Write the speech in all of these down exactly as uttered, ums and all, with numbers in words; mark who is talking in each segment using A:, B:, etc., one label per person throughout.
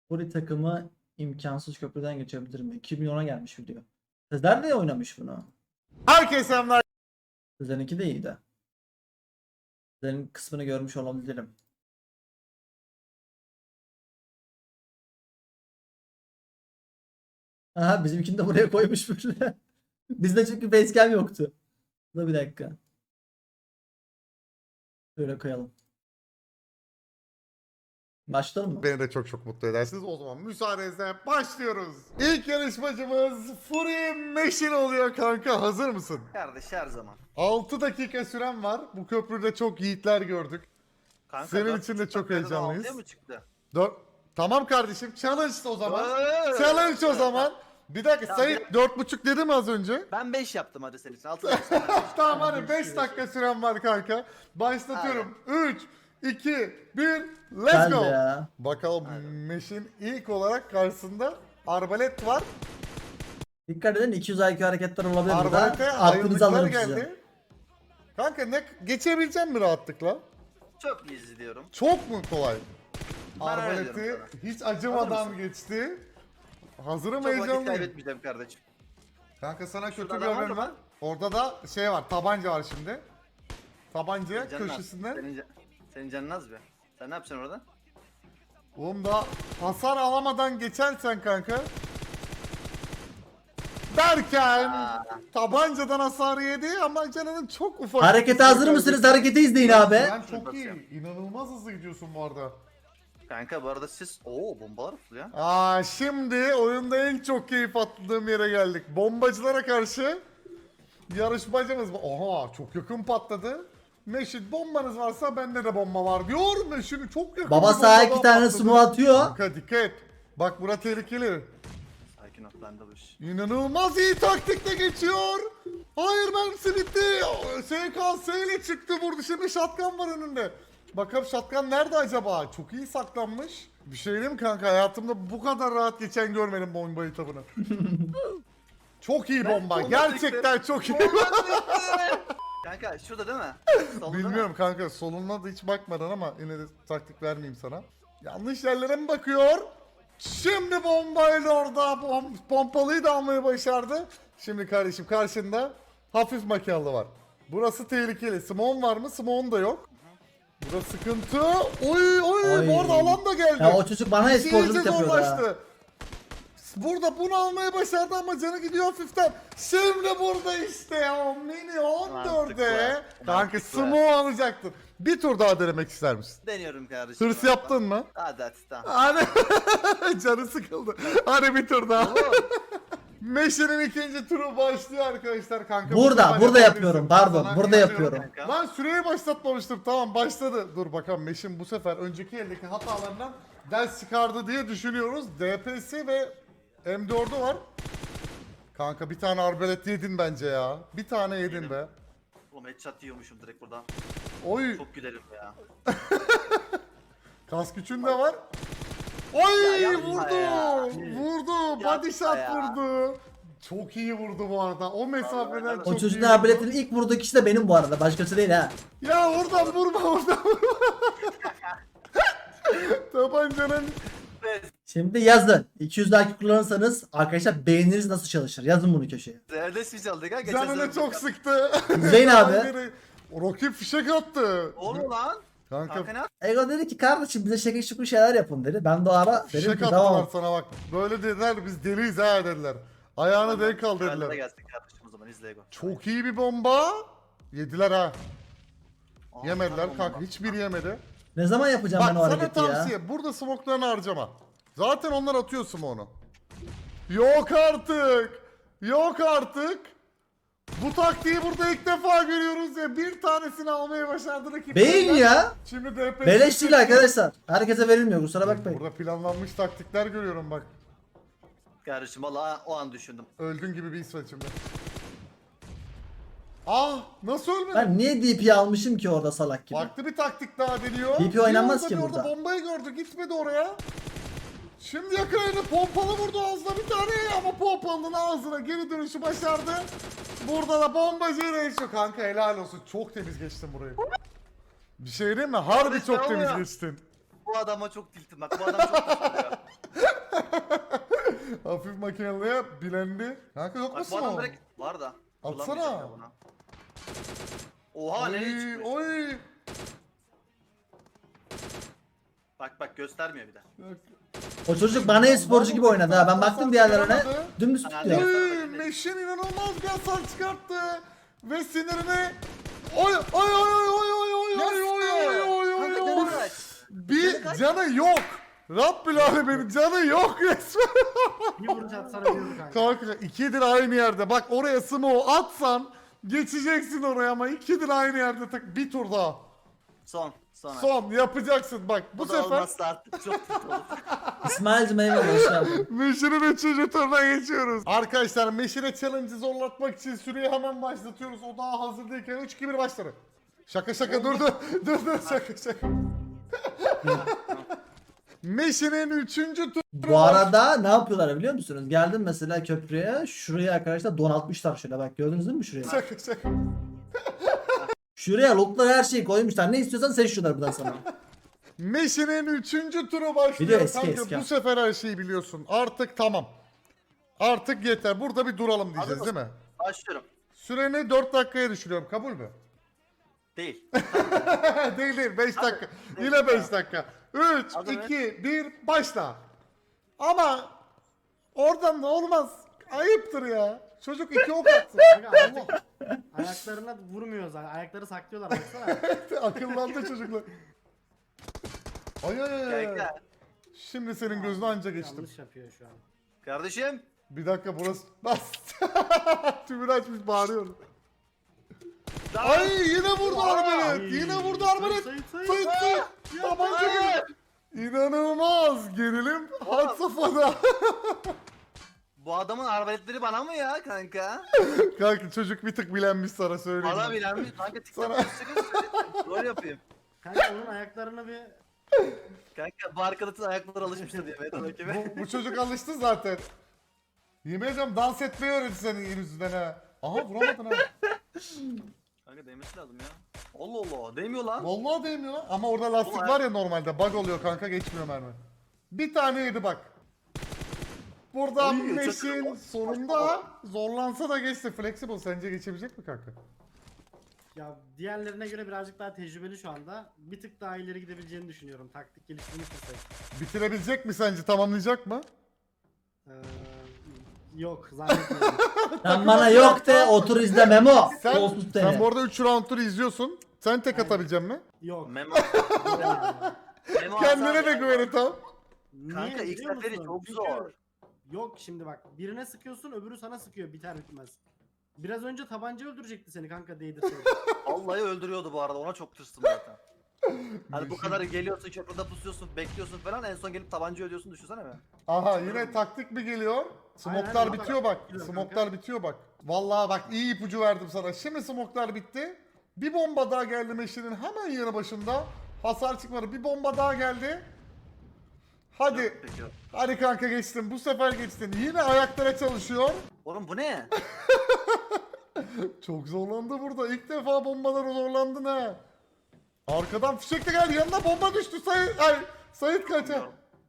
A: Furi takımı imkansız köprüden geçebilir mi? iki milyona gelmiş video. Sizler de oynamış bunu.
B: Herkese selamlar.
A: Sizlerinki de iyiydi. Sizlerin kısmını görmüş olabilirim. Aha, bizimkini de buraya koymuş böyle. Bizde çünkü facecam yoktu. Dur bir dakika. Böyle koyalım. Başlayalım mı?
B: Beni de çok çok mutlu edersiniz. O zaman müsaadenizle başlıyoruz. İlk yarışmacımız Fury Meşin oluyor kanka. Hazır mısın?
C: Kardeş her zaman.
B: altı dakika süren var. Bu köprüde çok yiğitler gördük.
C: Kanka,
B: Senin
C: dört
B: için de
C: buçuk
B: çok
C: dakikada
B: heyecanlıyız.
C: altıya mı çıktı?
B: Dört. Tamam kardeşim. Challenge o zaman.
C: Eee!
B: Challenge o zaman. Bir dakika
C: Ya,
B: Sayın dört buçuk dedi mi az önce?
C: Ben beş yaptım hadi senin için. altı dakika.
B: Tamam hadi beş dakika süren var kanka. Başlatıyorum. üç, iki, bir, let's
A: Geldi
B: go.
A: ya.
B: Bakalım
C: Hadi.
B: Meşin ilk olarak karşısında arbalet var.
A: Dikkat edin, iki yüz I Q hareketler olabilir burada.
B: Arbalete
A: Aklınızı
B: ayrılıklar
A: alırım
B: geldi.
A: size.
B: Kanka ne geçebileceğim mi rahatlıkla?
C: Çok easy diyorum.
B: Çok mu kolay?
C: Ben öyle
B: Arbaleti
C: diyorum
B: hiç
C: Hazır
B: acımadan
C: mısın?
B: geçti. Hazırım,
C: Çok vakit
B: heyecanlıyım.
C: kaybetmeyeceğim kardeşim.
B: Kanka sana kötü
C: Şurada
B: bir
C: adam var
B: haberim
C: mı?
B: var. Orada da şey var, tabanca var şimdi. Tabancaya
C: Canın az.
B: köşesinden.
C: Senin, can- senin canın az be. Sen ne yapacaksın orada?
B: Oğlum da hasar alamadan geçersen kanka. Derken
C: Aa.
B: tabancadan hasar yedi ama canının çok ufak.
A: Harekete hazır mısınız? Hareketi izleyin abi.
B: Sen çok iyi. İnanılmaz hızlı gidiyorsun bu arada.
C: Kanka bu arada siz... Oo bombalar fırlıyor.
B: Aa, şimdi oyunda en çok keyif attığım yere geldik. Bombacılara karşı yarışmacımız. Oha, çok yakın patladı. Meşin bombanız varsa bende de bomba var diyor. Meşin çok yakın.
A: Baba
B: bir
A: sağa
B: bomba
A: iki
B: daha
A: tane
B: patladı.
A: smoke atıyor.
B: Kanka dikkat et. Bak bura tehlikeli.
C: Sakin ol ben de bu iş.
B: İnanılmaz iyi taktikle geçiyor. Hayır, mermisi bitti. S K S ile çıktı, vurdu. Şimdi shotgun var önünde. Bakalım shotgun nerede acaba? Çok iyi saklanmış. Bir şey diyeyim mi kanka? Hayatımda bu kadar rahat geçen görmedim bomba etabını. Çok iyi bomba.
C: bomba
B: Gerçekten çok iyi.
C: Kanka şurada değil mi? Solda değil mi?
B: Bilmiyorum kanka. Soluna da hiç bakmadan ama yine de taktik vermeyeyim sana. Yanlış yerlere mi bakıyor? Şimdi bombayla orada pom pompalıyı da almayı başardı. Şimdi kardeşim karşında hafif makinalı var. Burası tehlikeli. Simon var mı? Simon da yok. Burası sıkıntı. Oy oy,
A: Oy.
B: bu arada alan da geldi.
A: Ya o çocuk bana
B: İşi
A: esporculuk
B: iyice
A: yapıyor ya.
B: zorlaştı. Burada bunu almayı başardı ama canı gidiyor hafiften. Şimdi burada işte o mini on dörde.
C: Mantıklı.
B: Kanka
C: Mantıklı.
B: Smo alacaktın. Bir tur daha denemek ister misin?
C: Deniyorum kardeşim.
B: Hırs yaptın mı?
C: Hadi hadi tamam.
B: Hadi canı sıkıldı. Hadi bir tur daha.
C: Oğlum,
B: Meşe'nin ikinci turu başlıyor arkadaşlar kanka.
A: Burada,
B: Bu sefer
A: burada
B: yapabilirsin.
A: yapıyorum. Pardon,
B: Sana
A: burada
B: inanıyorum.
A: yapıyorum.
C: kanka.
B: Lan süreyi başlatmamıştım. Tamam, başladı. Dur bakalım Meşin bu sefer önceki eldeki hatalarından ders çıkardı diye düşünüyoruz. D P S ve M dördü var. Kanka bir tane arbalet yedin bence ya. Bir tane yedin
C: Yedim.
B: be.
C: Oğlum headshot yiyormuşum direkt buradan.
B: Oy,
C: Çok gülerim ya.
B: kas gücün de var. Oy,
C: Ya yapma
B: vurdu.
C: ya.
B: Vurdu. Body
C: Yapma
B: shot
C: ya.
B: vurdu. Çok iyi vurdu bu arada. O mesafeden
C: Vallahi
B: çok
A: O
B: iyi
A: çocuğun
B: vurdu.
A: arbaletin ilk vurduğu kişi de benim bu arada. Başkası değil ha.
B: Ya oradan vurma, oradan vurma. Tabancanın
C: Evet.
A: Şimdi yazın. iki yüz I Q kullanırsanız arkadaşlar beyniniz nasıl çalışır? Yazın bunu köşeye.
C: Zerdes mi çaldık ha? Geçen
B: canını
C: sene-
B: çok sıktı.
A: İzleyin abi.
B: Rakip fişek attı.
C: Oğlum lan.
B: Kanka
C: Kanka ne yap-
A: Ego dedi ki kardeşim bize şekil şukul şeyler yapın dedi. Ben de o ara dedim
B: fişek
A: ki
B: attılar
A: tamam.
B: sana bak. Böyle dediler, biz deliyiz ha dediler. Ayağını denk al
C: Krallara
B: dediler.
C: gelsin kardeşim o zaman izle Ego.
B: Çok iyi bir bomba. Yediler ha.
C: Aa,
B: Yemediler
C: bomba.
B: kanka, hiçbiri yemedi.
A: Ne zaman yapacağım
B: Bak
A: ben o
B: sana
A: hareketi ya?
B: tavsiye, burada smoke'larını harcama. Zaten onlar atıyor smoke'unu. Yok artık. Yok artık. Bu taktiği burada ilk defa görüyoruz ya. Bir tanesini almayı başardı rakip.
A: Beyin ya.
B: Şimdi D P S.
A: Beleş değil arkadaşlar. Herkese verilmiyor kusura bakmayın.
B: Burada planlanmış taktikler görüyorum bak.
C: Kardeşim valla o an düşündüm.
B: Öldün gibi bir his var içimde. Ah, nasıl ölmedin?
A: Ben niye D P almışım ki orada salak gibi?
B: Farklı bir taktik daha deniyor.
A: D P oynanmaz
B: Bir
A: ki
B: orada
A: burada.
B: bir Bombayı gördü, gitmedi oraya. Şimdi yakaladı, pompalı vurdu ağzına bir tane ama pompalının ağzına geri dönüşü başardı. Burada da bombacıyla yaşıyor. Kanka helal olsun, çok temiz geçtin burayı. Bir şey diyeyim mi? Harbi
C: Kardeşim
B: çok temiz
C: oluyor.
B: geçtin.
C: bu adama çok tiltim bak. Bu adam çok tiltim.
B: Hafif makineliğe bilendi. Kanka yok
C: Bak
B: musun
C: bu adam
B: o?
C: direkt var da.
B: Atsana.
C: Bulamayacağım ya bunu. Oha nereye
B: Oy,
C: çıkmış?
B: oy.
C: Bak bak göstermiyor bir de.
A: O çocuk bana e-sporcu gibi oynadı ha. Ben baktım diğerlerine. Dümdüz
C: Yani-
A: tutuyor.
B: Oy, Meşin inanılmaz bir hasar çıkarttı. Ve sinirini... Oy, oy, oy, oy, oy, oy, oy, oy, oy, oy, oy, oy,
C: Kanka
B: oy.
C: canı kaç?
B: Bir canı yok. Rabbül Alemin canı yok resmen.
D: Bir vuruş atsana diyordu kanka.
B: Kanka ikidir aynı yerde. Bak oraya smoke atsan geçeceksin oraya ama ikidir aynı yerde. Tak bir tur daha.
C: Son. Sonra.
B: Son yapacaksın bak bu,
C: Bu da
B: sefer
C: olmazsa artık çok tilt olur.
A: İsmail'cim eyvallah hoş geldin.
B: Meşin'in üçüncü turuna geçiyoruz. Arkadaşlar Meşin'e challenge'ı zorlatmak için süreyi hemen başlatıyoruz. O daha hazır değilken üç iki bir başladı. Şaka şaka dur dur. Dur dur şaka şaka. Meşin'in üçüncü tur.
A: Bu arada ne yapıyorlar biliyor musunuz? Geldim mesela köprüye. Şuraya arkadaşlar donatmışlar şöyle bak gördünüz değil mi şuraya?
B: Şaka şaka.
A: Şuraya lootlara her şeyi koymuşlar. Ne istiyorsan seçiyorlar buradan sana.
B: Meşin'in üçüncü turu başlıyor.
A: Biliyor, eski,
B: Kanka
A: eski.
B: bu sefer her şeyi biliyorsun. Artık tamam. Artık yeter. Burada bir duralım diyeceğiz
C: Hazır
B: değil mi?
C: Başlıyorum.
B: Süreni dört dakikaya düşürüyorum. Kabul mü?
C: Değil.
B: değil değil. beş
C: Hadi.
B: dakika.
C: Değil.
B: Yine beş dakika. üç,
C: Hadi be.
B: iki, bir başla. Ama oradan da olmaz. Ayıptır ya. Çocuk iki ok attı.
D: Kanka artık ayaklarına vurmuyor zaten. Ayakları saklıyorlar baksana.
B: Akıllandı çocuklar. Ay ay ay, ay.
C: Kanka.
B: Şimdi senin gözüne anca geçtim.
D: Yanlış yapıyor şu an.
C: Kardeşim.
B: Bir dakika burası. Bas. Tümünü açmış bağırıyor.
C: Daha-
B: Ay yine vurdu
C: Ay.
B: arbalet. Yine vurdu arbalet.
D: Sayın, sayın,
B: Sayın sayın. Tabanca
C: Hayır.
B: gibi. İnanılmaz. Gerilim had safhada.
C: Bu adamın arbaletleri bana mı ya kanka?
B: Kanka çocuk bir tık bilenmiş sana söyleyeyim.
C: Bana
B: ben.
C: bilen bir kanka
B: Sana-
C: TikTok'ta çıkın rol yapayım.
D: Kanka onun ayaklarına bir...
C: Kanka bu arkadaşın ayakları alışmıştır diye Metal Ekibi.
B: bu, bu çocuk alıştı zaten. Yemin ediyorum dans etmeyi öğretti senin yüzünden ha. Aha vuramadın ha.
C: Kanka değmesi lazım ya. Allah Allah değmiyor lan.
B: Vallahi değmiyor lan. Ama orada lastik
C: Ulan.
B: var ya normalde. Bug oluyor kanka geçmiyor mermi. Bir tane yedi bak. Burada
C: Oy,
B: Meşin
C: çok-
B: sonunda zorlansa da geçti. Flexible sence geçebilecek mi kanka?
D: Ya diğerlerine göre birazcık daha tecrübeli şu anda. Bir tık daha ileri gidebileceğini düşünüyorum. Taktik geliştirmiş olsaydı.
B: Bitirebilecek mi sence? Tamamlayacak mı?
D: Ee, yok zannetmiyorum.
A: Sen bana yok de otur izle Memo.
B: Sen,
A: Kolsuz
B: sen
A: seni.
B: bu arada üç round'ları izliyorsun. Sen tek
D: Aynen.
B: atabilecek mi?
D: yok.
C: Memo.
D: Yani.
C: Memo
B: Kendine
C: Hasan
B: de
C: ya.
B: güveni tam.
C: Kanka
D: Niye
C: ilk
D: biliyor
C: seferi
D: musun?
C: çok
D: Çünkü-
C: zor.
D: Yok şimdi bak birine sıkıyorsun öbürü sana sıkıyor biter bitmez. Biraz önce tabanca öldürecekti seni kanka değdirseydi.
C: Vallahi öldürüyordu bu arada ona çok tırstım zaten. Hani bu kadar geliyorsun köprüde pusuyorsun bekliyorsun falan en son gelip tabanca ödüyorsun düşünsene be.
B: Aha yine taktik mi geliyor? Smoklar
D: aynen,
B: bitiyor bak.
D: bitiyor
B: Smoklar
D: kanka.
B: bitiyor bak. Vallahi bak iyi ipucu verdim sana. Şimdi smoklar bitti. Bir bomba daha geldi Meşin'in hemen yanı başında. Hasar çıkmadı. Bir bomba daha geldi. Hadi.
C: Peki.
B: Hadi kanka geçtin. Bu sefer geçtin. Yine ayaklara çalışıyor.
C: Oğlum bu ne?
B: Çok zorlandı burada. İlk defa bombalar zorlandın ha. Arkadan fişek de geldi. Yanına bomba düştü. Sayit, ay, Sayit kaça.
C: Bilmiyorum.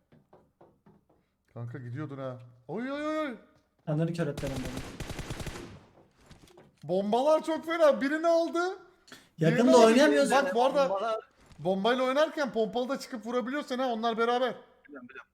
B: Kanka gidiyordun ha. Oy oy oy, oy.
A: Kendini kör et benim benim.
B: Bombalar çok fena. Birini aldı.
A: Yakında
B: Birini aldı.
A: oynayamıyoruz.
B: Bak bu arada
C: Bombalar-
B: bombayla oynarken pompalı da çıkıp vurabiliyorsun ha. Onlar beraber.
C: Biliyorum, biliyorum.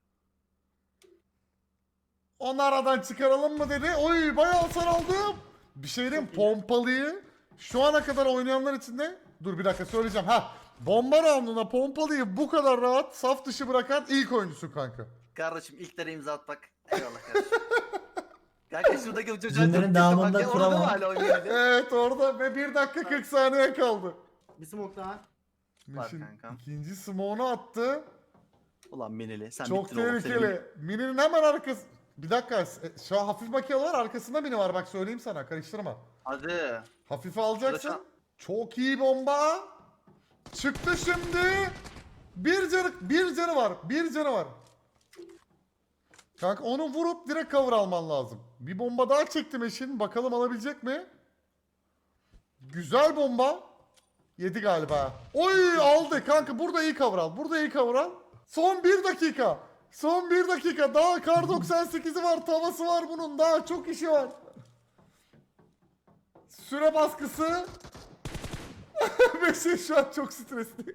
B: Onu aradan çıkaralım mı dedi. Oy bayağı hasar aldım. Bir şey diyeyim pompalıyı şu ana kadar oynayanlar içinde dur bir dakika söyleyeceğim. Ha bomba rounduna pompalıyı bu kadar rahat saf dışı bırakan ilk oyuncusu kanka.
C: Kardeşim ilklere imza atmak. Eyvallah kardeşim. Kanka şuradaki bu çocuğa
A: Cümlenin
C: çok
A: devamında
C: bak ya, orada
A: kuramam.
C: mı hala oynuyor?
B: Evet orada ve bir dakika kırk saniye kaldı.
D: Bir smoke daha.
C: Var
B: Mişin
C: kankam.
B: ikinci smoke'unu attı.
C: Ulan Minili sen
B: Çok
C: bittin oğlum. Senin-
B: tehlikeli. Mini'nin hemen arkası. Bir dakika. e, Şu an hafif makineler arkasında mini var bak söyleyeyim sana karıştırma.
C: Hadi.
B: Hafife alacaksın.
C: Şurada
B: Çok iyi bomba. Çıktı şimdi. Bir canı, bir canı var. Bir canı var. Kanka onu vurup direkt cover alman lazım. Bir bomba daha çektim eşin. Bakalım alabilecek mi? Güzel bomba. Yedi galiba. Oy aldı kanka. Burada iyi cover al. Burada iyi cover al. Son bir dakika. Son bir dakika. Daha kar doksan sekizi var. Tavası var bunun. Daha çok işi var. Süre baskısı. Beşir şu an çok stresli.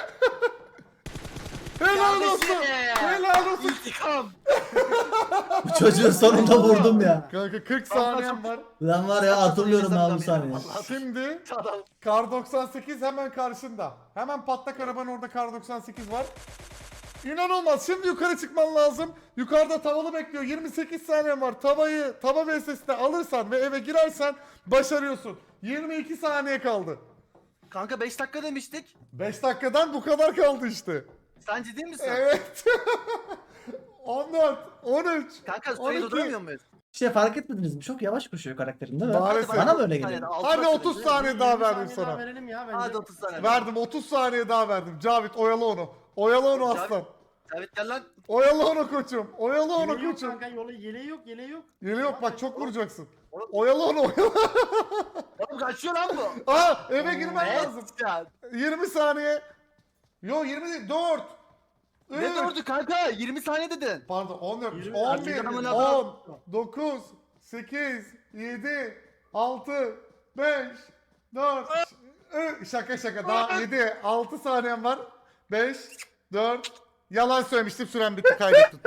B: Helal olsun. Helal olsun.
C: İntikam.
A: Bu çocuğu sonunda vurdum ya.
B: Kanka kırk saniyem var.
A: Lan var ya hatırlıyorum ben bu saniye.
B: Şimdi
C: Adam.
B: kar doksan sekiz hemen karşında. Hemen patlak arabanın orada kar doksan sekiz var. İnanılmaz. Şimdi yukarı çıkman lazım. Yukarıda tavalı bekliyor. yirmi sekiz saniyen var. Tavayı tava V S S'de alırsan ve eve girersen başarıyorsun. yirmi iki saniye kaldı.
C: Kanka beş dakika demiştik.
B: beş dakikadan bu kadar kaldı işte.
C: Sen ciddi misin?
B: Evet. on dört, on üç,
C: Kanka
B: on
C: süreyi
B: iki.
C: durduramıyor muyuz?
A: Şey fark etmediniz mi? Çok yavaş koşuyor karakterin değil mi?
B: Maalesef.
A: Bana mı öyle
C: otuz
A: geliyor?
C: saniyede, altı
B: Hadi
C: dakika
B: otuz
C: dedi.
B: saniye daha
D: yirmi
B: verdim
D: saniye daha
B: sana.
D: verelim ya bence.
C: Hadi otuz saniye.
B: Verdim otuz saniye daha verdim. Cavit oyalı onu. Oyalı onu
C: Cavit-
B: aslan.
C: Evet gel lan.
B: Oyalı onu koçum. Oyalı onu
D: Yeleği yok
B: koçum.
D: kanka yolu yeleği yok yeleği yok.
B: Yeli yok bak çok vuracaksın.
C: Oğlum-
B: Oyalı onu oyalı.
C: Oğlum kaçıyor lan bu.
B: Aa eve girmen
C: Evet
B: lazım.
C: ya.
B: yirmi saniye. Yo yirmi değil dört.
C: Ne
B: üç.
C: durdu kanka? yirmi saniye dedin.
B: Pardon on dört,
D: Yirmi.
B: on bir,
C: Adamın
B: on,
C: adam-
B: dokuz, sekiz, yedi, altı, beş, dört, üç. Şaka şaka daha yedi, altı saniyem var. beş, dört. Yalan söylemiştim süren bitti kaybettim.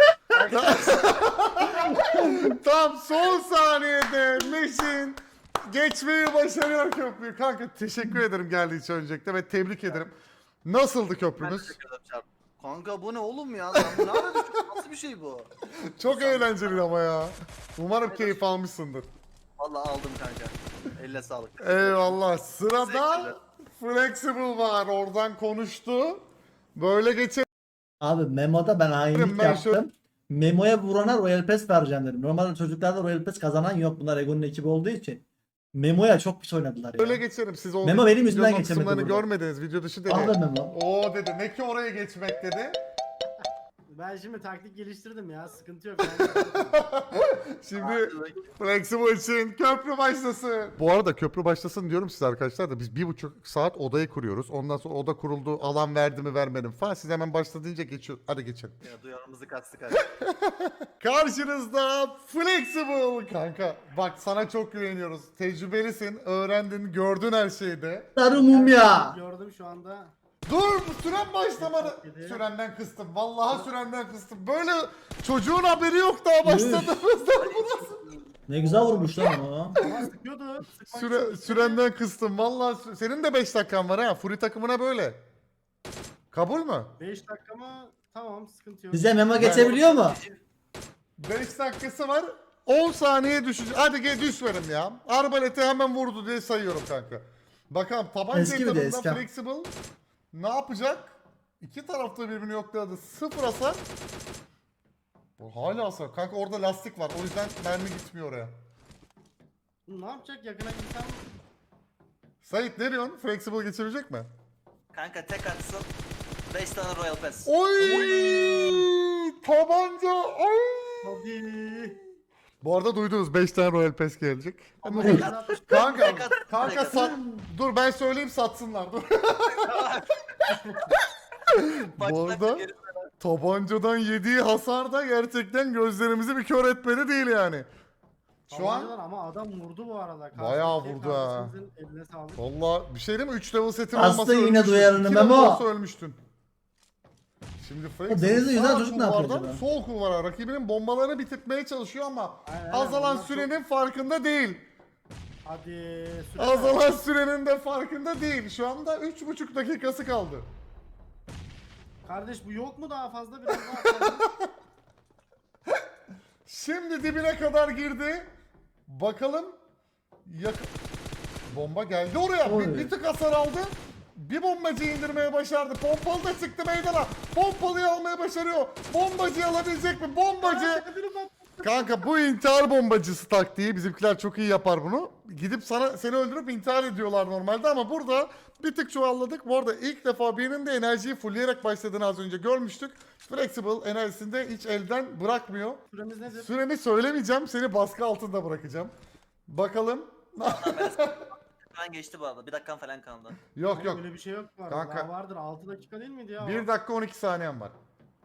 B: Tam son saniyede Meşin geçmeyi başarıyor köprüyü. Kanka teşekkür ederim geldiği için öncelikle ve tebrik ederim. Nasıldı
C: Ben
B: köprümüz?
C: teşekkür ederim Çarp. Kanka bu ne oğlum ya? Sen bu ne ara düştün? Nasıl bir şey bu?
B: Çok eğlenceli ama ya. Umarım keyif almışsındır.
C: Vallahi aldım kanka. Elle sağlık.
B: Eyvallah. Sırada
C: Teşekkürler.
B: Flexible var. Oradan konuştu. Böyle geçelim.
A: Abi Memo'da ben hainlik
B: Ben şu-
A: yaptım. Memo'ya vurana Royal Pass vereceğim dedim. Normalde çocuklarda Royal Pass kazanan yok. Bunlar Ego'nun ekibi olduğu için. Memo'ya çok pis oynadılar ya.
B: Böyle geçelim. Siz o
A: Memo benim yüzümden
B: videonun
A: geçemedi
B: kısımlarını
A: burada.
B: görmediniz. Video dışı dedi.
A: Ah be Memo.
B: Oo dedi. Ne ki oraya geçmek dedi.
D: Ben şimdi taktik geliştirdim ya sıkıntı yok. Yani.
B: Şimdi Flexible için köprü başlasın. Bu arada köprü başlasın diyorum size arkadaşlar da biz bir buçuk saat odayı kuruyoruz. Ondan sonra oda kuruldu. Alan verdi mi vermedi mi falan. Siz hemen başla deyince geçiyor. Hadi geçelim.
C: Ya duyarımızı kastık hadi.
B: Karşınızda Flexible kanka. Bak sana çok güveniyoruz. Tecrübelisin. Öğrendin. Gördün her şeyde.
A: Sarı mumya.
D: Gördüm şu anda.
B: Dur süren başlamadı.
D: Yedi.
B: Sürenden kıstım. Vallahi sürenden kıstım. Böyle çocuğun haberi yok daha başladığımızda.
A: Ne güzel vurmuş lan onu.
D: Ama sıkıyordu. sıkmak
B: Süre,
D: için-
B: sürenden kıstım. Vallahi sü- senin de beş dakikan var ha. Furi takımına böyle. Kabul mü?
D: beş dakika mı? Tamam sıkıntı yok.
A: Bize Memo geçebiliyor mu?
B: beş dakikası var. on saniye düşecek. Hadi gel düş verim ya. Arbaleti hemen vurdu diye sayıyorum kanka. Bakalım tabanca
A: Eski bir de
B: etabında
A: eski.
B: Flexible ne yapacak? İki tarafta birbirini yokladı. Sıfır hasar. Bu hala hasar. Kanka orada lastik var. O yüzden mermi gitmiyor oraya.
D: Ne yapacak yakına gitsem?
B: Sait ne diyorsun? Flexible geçebilecek mi?
C: Kanka tek atsın. beş tane Royal Pass.
B: Oy! Tabanca! Ay!
D: Hadi.
B: Bu arada duydunuz beş tane Royal Pass gelecek.
D: Ama
C: Tek
D: ben
C: at.
D: atmış-
B: Kanka,
C: Tek at,
B: kanka
C: tek at.
B: sat. Dur ben söyleyeyim satsınlar. Dur. Bu
C: Baştan
B: arada
C: geri-
B: tabancadan yediği hasar da gerçekten gözlerimizi bir kör etmedi değil yani. Şu an
D: Tabancalar ama adam vurdu bu arada.
B: Bayağı
D: Karşıdaki
B: vurdu ha.
D: kardeşimizin Eline sağlık.
B: valla bir şey değil mi? üç level setin
A: Bastı
B: olmasa
A: yine
B: ölmüştün.
A: duyarını
B: iki level
A: Memo.
B: olsa ölmüştün. Şimdi Flexible
A: Deniz'in yüzünden
B: sağ
A: çocuk ne yapıyor
B: kulvardan
A: acaba?
B: sol kulvara rakibinin bombalarını bitirtmeye çalışıyor ama
D: Aynen, aynen.
B: azalan
D: Bunlar
B: sürenin farkında değil.
D: Hadi. süre
B: Azalan sürenin de farkında değil. Şu anda üç buçuk dakikası kaldı.
D: Kardeş bu yok mu daha fazla biraz daha fazla?
B: Şimdi dibine kadar girdi. Bakalım. Yak Bomba geldi oraya. Bir,
A: Oy.
B: bir tık hasar aldı. Bir bombacı indirmeye başardı. Pompalı da çıktı meydana. Pompalıyı almaya başarıyor. Bombacıyı alabilecek mi? Bombacı. Kanka bu intihar bombacısı taktiği. Bizimkiler çok iyi yapar bunu. Gidip sana seni öldürüp intihar ediyorlar normalde ama burada bir tık çuvalladık. Bu arada ilk defa birinin de enerjiyi fullleyerek başladığını az önce görmüştük. Flexible enerjisini de hiç elden bırakmıyor.
D: Süremiz nedir?
B: Süremi söylemeyeceğim. Seni baskı altında bırakacağım. Bakalım.
C: Ben geçti bu arada. Bir dakikan falan kaldı.
B: Yok
D: Oğlum
B: yok.
D: Öyle bir şey yok bu arada.
B: Kanka.
D: Daha vardır altı dakika değil miydi ya?
B: bir dakika on iki saniyem var.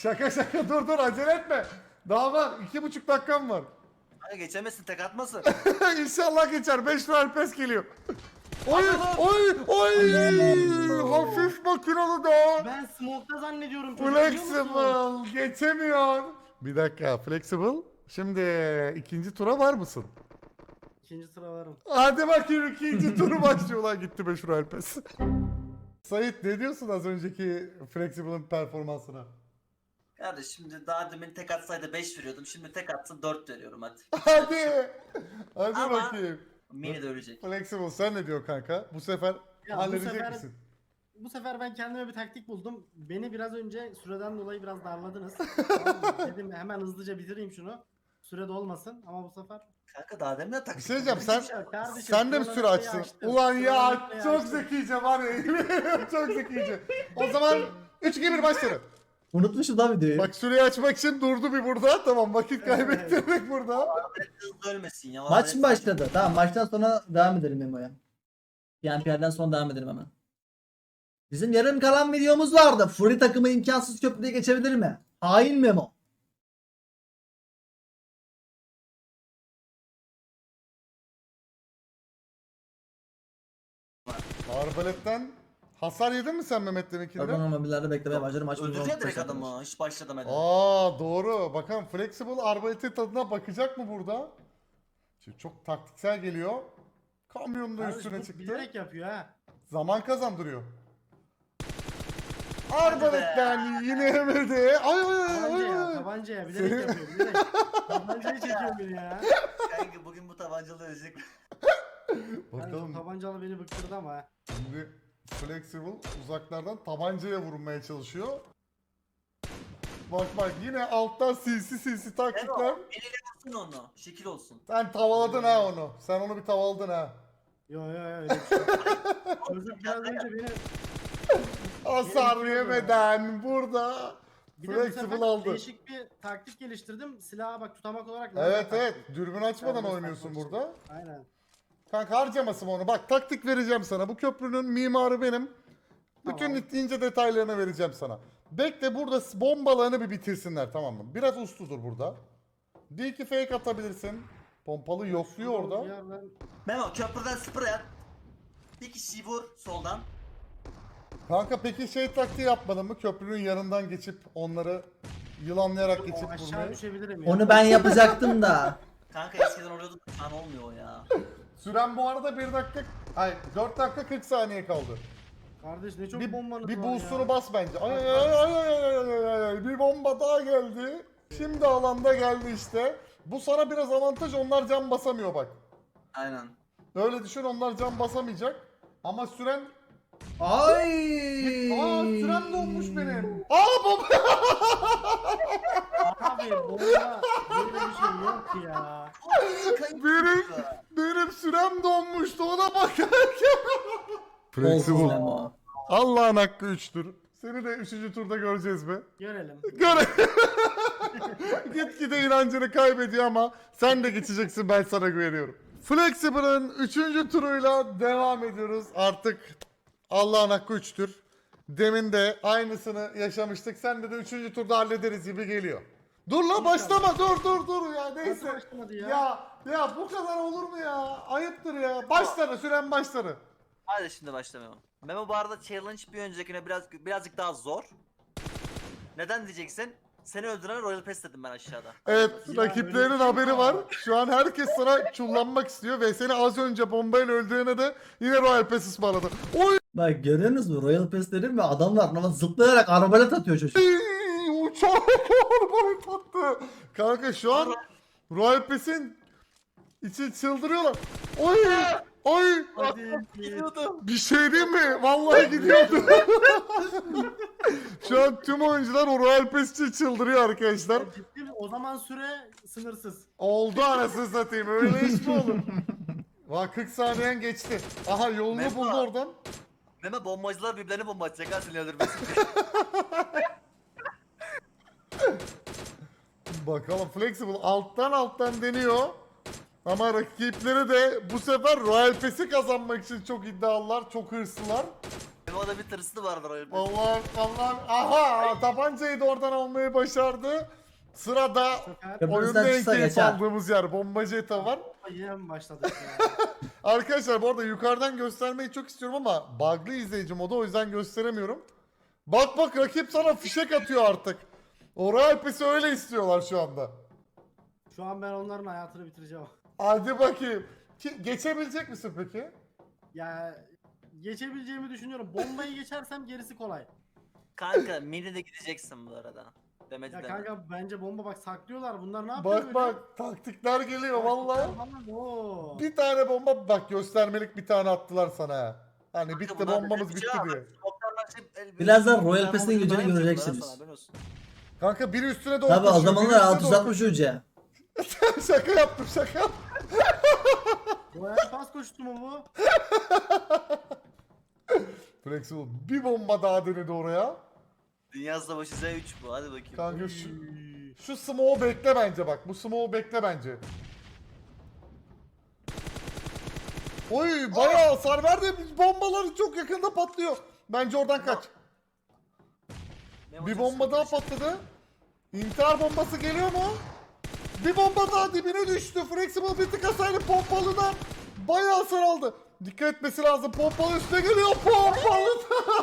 B: Şaka şaka dur dur acele etme. Daha var iki buçuk dakikam var.
C: Kanka geçemezsin, tek atmasın.
B: İnşallah geçer. beş Royal Pass geliyor. Oy oy oy. Hafif makinalı da.
D: Ben smoke'ta zannediyorum. çocuk, biliyor musun?
B: Flexible geçemiyor. Bir dakika Flexible. Şimdi ikinci tura var mısın?
D: İkinci sıra varım.
B: Hadi bakayım ikinci turu başlıyor lan gitti beş Royal Pass. Sait ne diyorsun az önceki Flexible'ın performansına?
C: Kardeş şimdi daha demin tek atsaydı beş veriyordum. Şimdi tek atsın dört veriyorum hadi.
B: Hadi. Hadi
C: Ama-
B: bakayım.
C: Mini de ölecek.
B: Flexible sen ne diyorsun kanka? Bu sefer
D: Ya bu
B: halledecek
D: sefer-
B: misin?
D: Bu sefer ben kendime bir taktik buldum. Beni biraz önce süreden dolayı biraz darladınız. Tamam mı? Dedim hemen hızlıca bitireyim şunu. Sürede olmasın ama bu sefer...
C: Kanka daha demin de tak.
B: Bir şey diyeceğim sen
D: Hiçbir şey yok kardeşim,
B: sen de mi
D: sıraları
B: süre açtın?
D: açtım.
B: Ulan ya
D: Sıraları
B: çok
D: açtım.
B: zekice var ya çok zekice. O zaman üç iki bir başladı.
A: Unutmuşum da videoyu.
B: Bak süreyi açmak için durdu bir burada. Tamam vakit kaybettirdik burada.
C: Hızlı ölmesin ya.
A: Maç mı başladı? Tamam maçtan sonra devam edelim Memo'ya. P M P R'den sonra devam edelim hemen. Bizim yarım kalan videomuz vardı. Fury takımı imkansız köprüye geçebilir mi? Hain Memo.
B: Arbaletten hasar yedin mi sen Mehmet deminkinde?
A: Pardon ama birilerde beklemeye başladım. Maç
C: Öldürecek direkt adamı. Hiç başlamadı.
B: Aa doğru. Bakalım Flexible arbaletin tadına bakacak mı burada? Şimdi çok taktiksel geliyor. Kamyon da
D: Kardeş,
B: üstüne
D: bu
B: çıktı.
D: bilerek yapıyor ha.
B: Zaman kazandırıyor. Arbaletten yine yemedi. Ay ay ay ay.
D: Tabancaya,
B: ay.
D: tabancaya bilerek
B: Senin-
D: yapıyor bilerek. Tabancayı çekiyor beni ya.
C: Kanka bugün bu tabancalı ölecek.
B: Bakalım.
D: Tabancalı beni bıktırdı ama ha.
B: Şimdi Flexible uzaklardan tabancaya vurmaya çalışıyor. Bak bak yine alttan sinsi sinsi taktikler.
C: Memo, eliyle vursun onu. Şekil olsun.
B: Sen tavaladın ha onu. Sen onu bir tavaladın ha.
D: Yo yo yo öyle bir şey. yok. Çocuk biraz önce beni
B: Hasar
D: Yemin
B: yemeden burada
D: bir de bu sefer
B: Flexible aldı.
D: değişik bir taktik geliştirdim. Silahı bak tutamak olarak.
B: Evet
D: lazer
B: evet.
D: taktım.
B: Dürbün açmadan
D: Serbest
B: oynuyorsun
D: takmak için.
B: burada.
D: Aynen.
B: Kanka harcamasın onu. Bak taktik vereceğim sana. Bu köprünün mimarı benim. Bütün
D: Tamam.
B: ince detaylarını vereceğim sana. Bekle burada bombalarını bir bitirsinler tamam mı? Biraz usludur burada. Bir iki fake atabilirsin. Pompalı yokluyor
D: Bir
B: orada.
D: yerden-
C: Memo köprüden sprey at. Bir kişiyi vur soldan.
B: Kanka peki şey taktiği yapmadın mı? Köprünün yanından geçip onları yılanlayarak geçip
D: O aşağı
B: vurmayı.
D: düşebilirim ya.
A: Onu ben yapacaktım da.
C: Kanka eskiden oluyordu da şu an olmuyor o ya.
B: Süren bu arada bir dakika... Ay dört dakika kırk saniye kaldı.
D: Kardeş ne çok
B: Bir,
D: bombanız
B: bir
D: var
B: boost'unu
D: ya.
B: bas bence. Ay ay ay ay ay ay ay ay ay. Bir bomba daha geldi. Şimdi alanda geldi işte. Bu sana biraz avantaj, onlar can basamıyor bak.
C: Aynen.
B: Öyle düşün, onlar can basamayacak. Ama süren...
A: Ay.
B: Aa süren donmuş benim. Aa bomba!
D: Abi bomba böyle bir şey yok ya.
B: benim, benim sürem donmuştu, ona bakarken.
A: Olsun Memo.
B: Allah'ın hakkı üçtür. Seni de üçüncü turda göreceğiz be.
D: Görelim.
B: Göre. Gitgide inancını kaybediyor ama sen de geçeceksin, ben sana güveniyorum. Flexible'ın üçüncü turuyla devam ediyoruz. Artık Allah'ın hakkı üçtür. Demin de aynısını yaşamıştık. Sen de de üçüncü turda hallederiz gibi geliyor. Dur la başlama, dur dur dur ya,
D: Nasıl
B: neyse.
D: başlamadı ya?
B: Ya ya bu kadar olur mu ya? Ayıptır ya. Başları, süren başları.
C: Hadi şimdi başla Memo. Memo bu arada challenge bir öncekine biraz birazcık daha zor. Neden diyeceksin? Seni öldüren Royal Pass dedim ben aşağıda.
B: Evet,
D: Ya
B: rakiplerinin
D: öyle bir şey
B: haberi
D: var.
B: var. Şu an herkes sana çullanmak istiyor ve seni az önce bombayla öldürene de yine Royal Pass ısmarladı. Oy!
A: Bak görüyorsunuz mu? Royal Pass dedim ve adamlar ama zıplayarak arbalet atıyor çocuk.
B: Uçak arabayı tattı. Kanka şu an Royal Pass'in için çıldırıyorlar. Oy! Oy!
D: Hadi.
B: Bir şey diyeyim mi? Vallahi gidiyordu. Şu an tüm oyuncular o Royal Pass için çıldırıyor arkadaşlar.
D: Ciddi mi? O zaman süre sınırsız.
B: Oldu anasını satayım, öyle iş mi olur? Vay kırk saniyen geçti. Aha yolunu
C: Memo.
B: buldu oradan.
C: Memo bombacılar birbirlerini bomba atacak ha seni öldürmesin diye.
B: Bakalım Flexible alttan alttan deniyor. Ama rakipleri de bu sefer Royal Pass'i kazanmak için çok iddialılar, çok hırslılar.
C: Memo'da bir tırslı vardır Royal Pass.
B: Allah Allah. Aha tabancayı da oradan almayı başardı. Sırada
D: Sefer
B: oyunda en
A: çıksa
B: keyif
A: geçer.
B: aldığımız yer bombacı eta var.
D: yine mi başladık ya?
B: Arkadaşlar bu arada yukarıdan göstermeyi çok istiyorum ama bug'lı izleyici modu o yüzden gösteremiyorum. Bak bak rakip sana fişek atıyor artık. O Royal Pass'i öyle istiyorlar şu anda.
D: Şu an ben onların hayatını bitireceğim.
B: Hadi bakayım. Ki, geçebilecek misin peki?
D: Ya geçebileceğimi düşünüyorum. Bombayı geçersem gerisi kolay.
C: Kanka mini de gideceksin bu arada. Demedi
D: Ya
C: deme.
D: kanka bence bomba bak saklıyorlar. Bunlar ne yapıyor
B: Bak
D: böyle?
B: bak taktikler geliyor vallahi.
D: Vallahi. Oo.
B: Bir tane bomba bak göstermelik bir tane attılar sana ha. Hani
C: Kanka
B: bitti
C: bunlar
B: bombamız
C: bize
B: bitti
C: bir şey
B: diye.
C: var. Smoke'larla açıp el-
A: Birazdan Royal
C: Ben
A: Pass'in
C: bunu
A: gücünü
C: daha yapacaklar
A: göreceksiniz.
C: ha sana, haberin olsun.
B: Kanka biri üstüne doğru
A: Tabi o
B: koşuyor, biri
A: zamanlar
B: üstüne
A: altı yüz
B: doğru
A: altmış uca.
B: koşuyor. Şaka yaptım şaka.
D: Royal pas koştu mu bu?
B: Flexible bir bomba daha denedi oraya.
C: Dünya Savaşı Z üç bu, hadi bakayım.
B: Kanka şu, şu smoke'u bekle bence bak. Bu smoke'u bekle bence. Oy bayağı hasar verdi. Bombaları çok yakında patlıyor. Bence oradan kaç.
C: Memo
B: Bir
C: çok
B: bomba daha
C: sıkıntı.
B: patladı. İntihar bombası geliyor mu? Bir bomba daha dibine düştü. Flexible bir tık hasarlı pompalıdan bayağı hasar aldı. Dikkat etmesi lazım. Pompalı üstüne geliyor. Pompalı.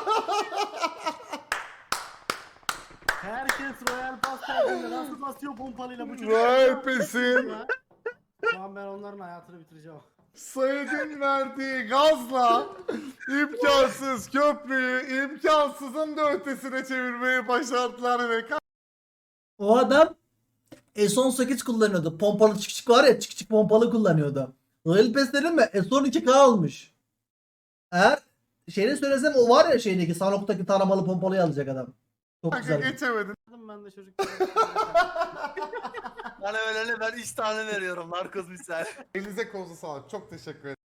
D: Herkes Royal pas geldiğinde nasıl basıyor pompalıyla bu çocuk?
B: Royal Pass'in
D: Ya. Şu an ben onların hayatını bitireceğim.
B: Said'in verdiği gazla imkansız köprüyü imkansızın da ötesine çevirmeyi başardılar ve
A: O adam S on sekiz kullanıyordu. Pompalı çık çık var ya, çık çık pompalı kullanıyordu. Royal Pass dedim mi? S on iki K olmuş. Eğer şeyini söylesem o var ya, şeydeki Sanok'taki taramalı pompalıyı alacak adam. Çok
B: kanka
A: güzel.
B: geçemedin.
D: Ben de çocuklara.
C: Bana öyle ben üç tane veriyorum narkoz misal.
B: Elinize kolunuza sağlık. Çok teşekkür ederim.